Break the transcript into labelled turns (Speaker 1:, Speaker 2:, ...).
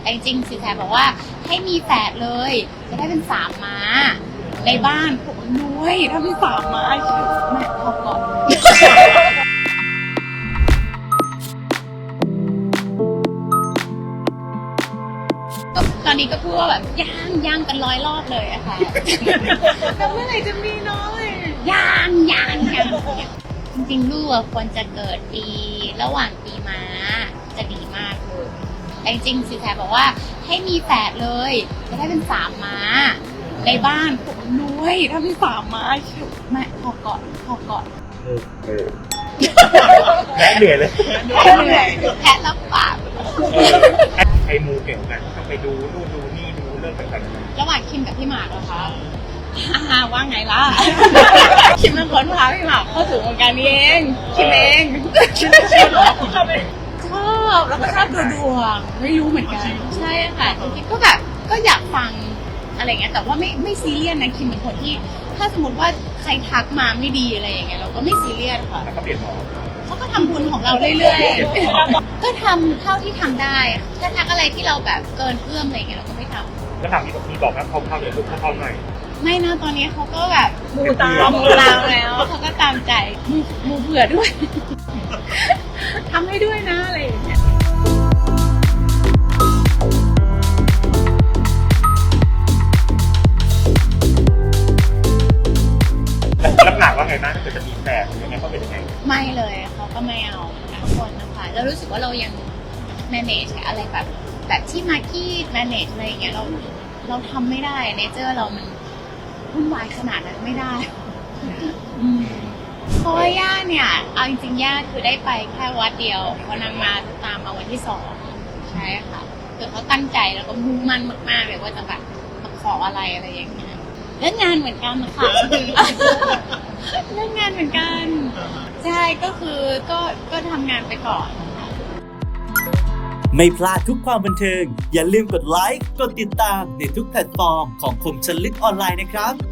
Speaker 1: แต่จริงๆสินแสบอกว่าให้มีแฝดเลยจะได้เป็น3 ม้าในบ้านผมนุ้ยถ้ามี3 ม้าแม่พอก่อนตอนนี้ก็พูดว่าแบบย่างกัน100 รอบเลยอะค่ะแล้วเมื่อไหร่จะมีน้อยย่างจริงๆลูกควรจะเกิดปีระหว่างปีม้าจะดีมากเลยแต่จริงๆสินแสบอกว่าให้มีแฝดเลยจะได้เป็น3 ม้าในบ้านผมนุ้ยถ้ามี3 ม้าแม่พอก่อน
Speaker 2: แพ้เหนื่อยเลย
Speaker 1: แพ้รับปาก
Speaker 2: ใครมูเก่งกันต้องไปดูนู่นดูนี่ดูเรื่องต่างๆ
Speaker 1: ระหว่างคิมกับพี่หมากเหรอคะว่าไงล่ะ คิมเป็นคนพาพี่หมากเข้าสู่วงการนี้เองคิมเองชอบแล้วก็ชอบดูดวงไม่รู้เหมือนกันใช่ค่ะจริงๆก็แบบก็อยากฟังอะไรเงี้ยแต่ว่าไม่ซีเรียสนะคิมเป็นคนที่ถ้าสมมติว่าใครทักมาไม่ดีอะไรอย่างเงี้ยเราก็ไม่ซีเรียสค่ะ
Speaker 2: แล้วก็เปลี่ยนหมอ
Speaker 1: เขาก็ทำบุญของเราเรื่อยๆก็ทำเท่าที่ทำได้ถ้าทักอะไรที่เราแบบเกินเอื้อมอะไรเงี้ยเราก็ไม่ทำ
Speaker 2: แล้วถามที่บอกว่าเขาเดี๋ยวลูกเขาหน่อย
Speaker 1: ไม่นะตอนนี้เขาก็แบบมูตามแล้วเขาก็ตามใจมูเผื่อด้วย ทำให้ด้วยนะอะไรอย่างเงี้ย
Speaker 2: แล้วหนักว่าไงนะถ้าเกิดจะมีแฝดยังไงเขาเป็นยังไง
Speaker 1: ไม่เลยเขาก็ไม่เอาทุกคนนะคะเรารู้สึกว่าเรายัง manage อะไรแบบที่มากี้ manage อะไรอย่างเงี้ยเราทำไม่ได้เนเจอร์เรามันวุ่นวายขนาดนั้นไม่ได้เพราะว่าย่าเนี่ยเอาจริงๆย่าคือได้ไปแค่วัดเดียวพอนางมาตามมาวันที่2ใช่ค่ะคือเขาตั้งใจแล้วก็มุ่งมั่นมากๆเลยว่าจะแบบมาขออะไรอย่างเงี้ยเรื่องงานเหมือนกันค่ะเรื่องงานเหมือนกันใช่ก็คือก็ทำงานไปก่อน
Speaker 3: ไม่พลาดทุกความบันเทิงอย่าลืมกดไลค์กดติดตามในทุกแพลตฟอร์มของคมชลลึกออนไลน์นะครับ